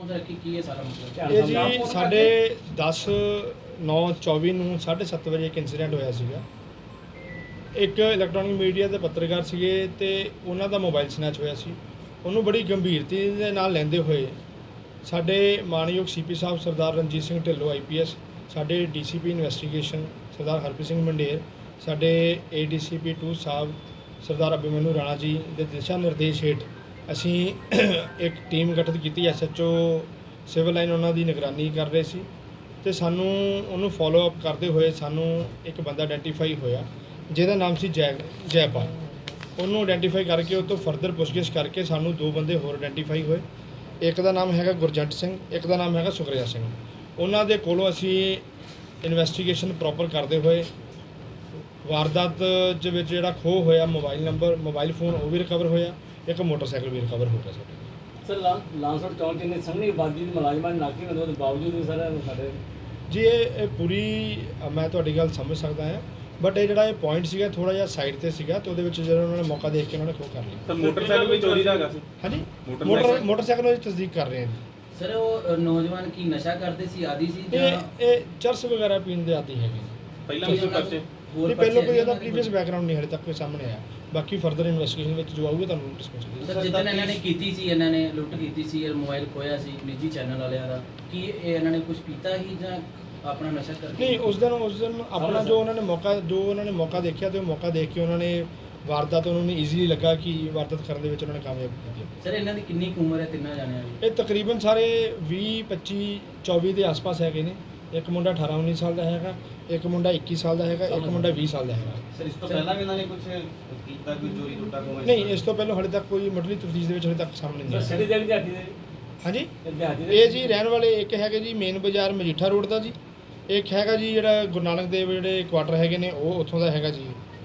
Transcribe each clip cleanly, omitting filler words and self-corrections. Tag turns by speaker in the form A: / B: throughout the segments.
A: ਗੁਪਤ ਰੱਖੀ ਕੀ ਹੈ ਸਾਰਾ ਮਸਲਾ?
B: ਇਹ ਜੀ ਸਾਡੇ 10/9/24 ਨੂੰ 7:30 ਵਜੇ ਇੱਕ ਇਨਸੀਡੈਂਟ ਹੋਇਆ ਸੀਗਾ। ਇੱਕ ਇਲੈਕਟ੍ਰੋਨਿਕ ਮੀਡੀਆ ਦੇ ਪੱਤਰਕਾਰ ਸੀਗੇ ਤੇ ਉਹਨਾਂ ਦਾ ਮੋਬਾਈਲ ਸਨੈਚ ਹੋਇਆ ਸੀ। ਉਹਨੂੰ ਬੜੀ ਗੰਭੀਰਤਾ ਦੇ ਨਾਲ ਲੈਂਦੇ ਹੋਏ ਸਾਡੇ ਮਾਨਯੋਗ ਸੀਪੀ ਸਾਹਿਬ ਸਰਦਾਰ ਰਣਜੀਤ ਸਿੰਘ ਢਿੱਲੋਂ IPS, ਸਾਡੇ DCP ਇਨਵੈਸਟੀਗੇਸ਼ਨ ਸਰਦਾਰ ਹਰਪ੍ਰੀਤ ਸਿੰਘ ਮੰਡੇਰ, ਸਾਡੇ ADCP 2 ਸਾਹਿਬ ਸਰਦਾਰ ਅਭਿਮਨੂ ਰਾਣਾ ਜੀ ਦੇ ਦਿਸ਼ਾ ਨਿਰਦੇਸ਼ ਹੇਠ ਅਸੀਂ ਇੱਕ ਟੀਮ ਗਠਿਤ ਕੀਤੀ। SHO ਸਿਵਲ ਲਾਈਨ ਉਹਨਾਂ ਦੀ ਨਿਗਰਾਨੀ ਕਰ ਰਹੇ ਸੀ ਤੇ ਸਾਨੂੰ ਉਹਨੂੰ ਫੋਲੋ ਅਪ ਕਰਦੇ ਹੋਏ ਸਾਨੂੰ ਇੱਕ ਬੰਦਾ ਆਇਡੈਂਟੀਫਾਈ ਹੋਇਆ ਜਿਹਦਾ ਨਾਮ ਸੀ ਜੈਪਾਲ। ਉਹਨੂੰ ਆਇਡੈਂਟੀਫਾਈ ਕਰਕੇ ਉਹ ਤੋਂ ਫਰਦਰ ਪੁੱਛਗਿੱਛ ਕਰਕੇ ਸਾਨੂੰ 2 ਬੰਦੇ ਹੋਰ ਆਇਡੈਂਟੀਫਾਈ ਹੋਏ। ਇੱਕ ਦਾ ਨਾਮ ਹੈਗਾ ਗੁਰਜੰਟ ਸਿੰਘ, ਇੱਕ ਦਾ ਨਾਮ ਹੈਗਾ ਸੁਖਰਿਆ ਸਿੰਘ। ਉਹਨਾਂ ਦੇ ਕੋਲੋਂ ਅਸੀਂ ਇਨਵੈਸਟੀਗੇਸ਼ਨ ਪ੍ਰੋਪਰ ਕਰਦੇ ਹੋਏ ਵਾਰਦਾਤ ਦੇ ਵਿੱਚ ਜਿਹੜਾ ਖੋਹ ਹੋਇਆ ਮੋਬਾਈਲ ਫੋਨ ਉਹ ਵੀ ਰਿਕਵਰ ਹੋਇਆ, ਇੱਕ ਮੋਟਰਸਾਈਕਲ ਵੀ ਰਿਕਵਰ ਹੋ ਗਿਆ ਸਾਡੇ।
C: ਸਰ ਲਾਂਸੜ ਚੌਂਕ ਇੰਨੇ ਸੰਘਣੀ ਆਬਾਦੀ ਦੇ ਮੁਲਾਜ਼ਮਾਂ ਨੇ ਨਾਕੇ ਹੋਣ ਦੇ ਬਾਵਜੂਦ ਵੀ ਸਰ ਸਾਡੇ
B: ਜੀ ਇਹ ਪੂਰੀ ਮੈਂ ਤੁਹਾਡੀ ਗੱਲ ਸਮਝ ਸਕਦਾ ਹਾਂ, ਬਟ ਇਹ ਜਿਹੜਾ ਇਹ ਪੁਆਇੰਟ ਸੀਗਾ ਥੋੜਾ ਜਿਹਾ ਸਾਈਡ ਤੇ ਸੀਗਾ ਤੇ ਉਹਦੇ ਵਿੱਚ ਜਦੋਂ ਉਹਨਾਂ ਨੇ ਮੌਕਾ ਦੇਖ ਕੇ ਉਹਨਾਂ ਨੇ ਖੋਹ ਕਰ ਲਿਆ।
D: ਤਾਂ ਮੋਟਰਸਾਈਕਲ ਵੀ ਚੋਰੀ ਦਾ ਹੈਗਾ ਸੀ?
B: ਹਾਂਜੀ, ਮੋਟਰਸਾਈਕਲ ਦੀ ਤਸਦੀਕ ਕਰ ਰਹੇ ਹਾਂ ਜੀ।
A: ਸਰ ਉਹ ਨੌਜਵਾਨ ਕੀ ਨਸ਼ਾ ਕਰਦੇ ਸੀ, ਆਦੀ ਸੀ ਜਾਂ
B: ਇਹ ਚਰਸ ਵਗੈਰਾ ਪੀਣ ਦੇ ਆਦੀ ਹੈਗੇ।
D: ਪਹਿਲਾਂ ਵੀ ਪਰਚੇ
A: ਹੋਰ
B: ਨਹੀਂ, ਪਹਿਲਾਂ ਕੋਈ
A: ਬੱਚੇ
B: ਇਹਦਾ ਪ੍ਰੀਵੀਅਸ ਬੈਕਗ੍ਰਾਉਂਡ ਨਹੀਂ ਹਲੇ ਤੱਕ ਕੋਈ ਸਾਹਮਣੇ ਆਇਆ। ਬਾਕੀ ਫਰਦਰ ਇਨਵੈਸਟੀਗੇਸ਼ਨ ਵਿੱਚ ਜੋ ਆਊਗਾ ਤੁਹਾਨੂੰ ਡਿਸਕਸ ਕਰਾਂਗੇ।
A: ਸਰ ਜਿੱਦਾਂ ਇਹਨਾਂ ਨੇ ਕੀਤੀ ਸੀ, ਇਹਨਾਂ ਨੇ ਲੁੱਟ ਕੀਤੀ ਸੀ, ਇਹ ਮੋਬਾਈਲ ਖੋਇਆ ਸੀ ਨਿੱਜੀ ਚੈਨਲ ਵਾਲਿਆਂ ਦਾ, ਕੀ ਇਹ ਇਹਨਾਂ ਨੇ ਕੁਝ ਪੀਤਾ ਹੀ ਜਾਂ ਆਪਣਾ ਨਸ਼ਾ ਕਰਦੇ?
B: ਨਹੀਂ, ਉਸ ਦਿਨ ਆਪਣਾ ਜੋ ਉਹਨਾਂ ਨੇ ਮੌਕਾ ਦੇਖਿਆ ਤੇ ਉਹ ਮੌਕਾ ਦੇਖ ਕੇ ਉਹਨਾਂ ਨੇ ਵਾਰਦਾਤ ਉਹਨਾਂ ਨੂੰ ਈਜ਼ੀਲੀ ਲੱਗਾ ਕਿ ਵਾਰਦਾਤ ਕਰਨ ਦੇ ਵਿੱਚ ਉਹਨਾਂ ਨੇ ਕਾਮਯਾਬ ਕੀਤੀ।
A: ਸਰ ਇਹਨਾਂ ਦੀ ਕਿੰਨੀ ਕੁ ਉਮਰ ਹੈ ਤਿੰਨਾਂ ਜਾਣਿਆਂ ਦੀ?
B: ਇਹ ਤਕਰੀਬਨ ਸਾਰੇ 20, 25, 24 ਦੇ ਆਸ-ਪਾਸ ਹੈਗੇ ਨੇ। ਇੱਕ ਮੁੰਡਾ 18, 19 ਸਾਲ ਦਾ ਹੈਗਾ, ਇੱਕ ਮੁੰਡਾ 21 ਸਾਲ ਦਾ ਹੈਗਾ, ਇੱਕ ਮੁੰਡਾ 20 ਸਾਲ ਦਾ ਹੈਗਾ।
E: ਸਰ ਇਸ ਤੋਂ ਪਹਿਲਾਂ ਵੀ ਇਹਨਾਂ ਨੇ ਕੁਝ ਕੀਤਾ, ਕੋਈ ਚੋਰੀ ਲੁੱਟਾ ਕੋਈ?
B: ਨਹੀਂ, ਇਸ ਤੋਂ ਪਹਿਲਾਂ ਹਾਲੇ ਤੱਕ ਕੋਈ ਮੁੱਢਲੀ ਤਫਤੀਸ਼ ਦੇ ਵਿੱਚ ਹਾਲੇ ਤੱਕ ਸਾਹਮਣੇ ਨਹੀਂ
C: ਸਰ
B: ਆਇਆ।
C: ਸਿਰੇ ਦਿਹਾੜੀ ਦੇ
B: ਹਾਂਜੀ,
C: ਦਿਹਾੜੀ ਦੇ
B: ਇਹ ਜੀ ਰਹਿਣ ਵਾਲੇ ਇੱਕ ਹੈਗੇ ਜੀ ਮੇਨ ਬਾਜ਼ਾਰ ਮਜੀਠਾ ਰੋਡ ਦਾ ਜੀ, ਇੱਕ ਹੈਗਾ ਜੀ ਜਿਹੜਾ ਗੁਰੂ ਨਾਨਕ ਦੇਵ ਜਿਹੜੇ ਕੁਆਟਰ ਹੈਗੇ ਨੇ ਉਹ ਉੱਥੋਂ ਦਾ ਹੈਗਾ ਜੀ।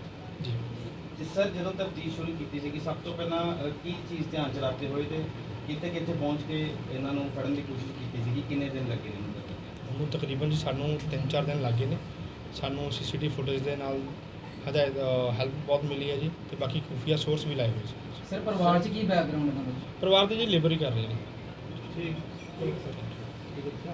E: ਜੀ ਸਰ, ਜਦੋਂ ਤਫਤੀਸ਼ ਸ਼ੁਰੂ ਕੀਤੀ ਸੀਗੀ ਸਭ ਤੋਂ ਪਹਿਲਾਂ ਕੀ ਚੀਜ਼ ਧਿਆਨ ਚ ਰੱਖਦੇ ਹੋਏ ਤੇ ਕਿੱਥੇ ਪਹੁੰਚ ਕੇ ਇਹਨਾਂ ਨੂੰ ਫੜਨ ਦੀ ਕੋਸ਼ਿਸ਼ ਕੀਤੀ ਸੀਗੀ? ਕਿੰਨੇ ਦਿਨ ਲੱਗੇ ਨੇ
B: ਉਹਨੂੰ? ਤਕਰੀਬਨ ਜੀ ਸਾਨੂੰ 3-4 ਦਿਨ ਲੱਗੇ ਨੇ। ਸਾਨੂੰ CCTV ਫੁਟੇਜ ਦੇ ਨਾਲ ਹੈਲਪ ਬਹੁਤ ਮਿਲੀ ਹੈ ਜੀ ਤੇ ਬਾਕੀ ਖੁਫੀਆ ਸੋਰਸ ਵੀ ਲਾਏ ਹੋਏ ਸੀ।
A: ਸਰ ਪਰਿਵਾਰ 'ਚ ਕੀ ਬੈਕਗ੍ਰਾਉਂਡ ਹੈ ਤੁਹਾਡਾ?
B: ਪਰਿਵਾਰ ਦੇ ਜੀ ਲੇਬਰ ਹੀ ਕਰ ਰਹੇ ਨੇ।
E: ਠੀਕ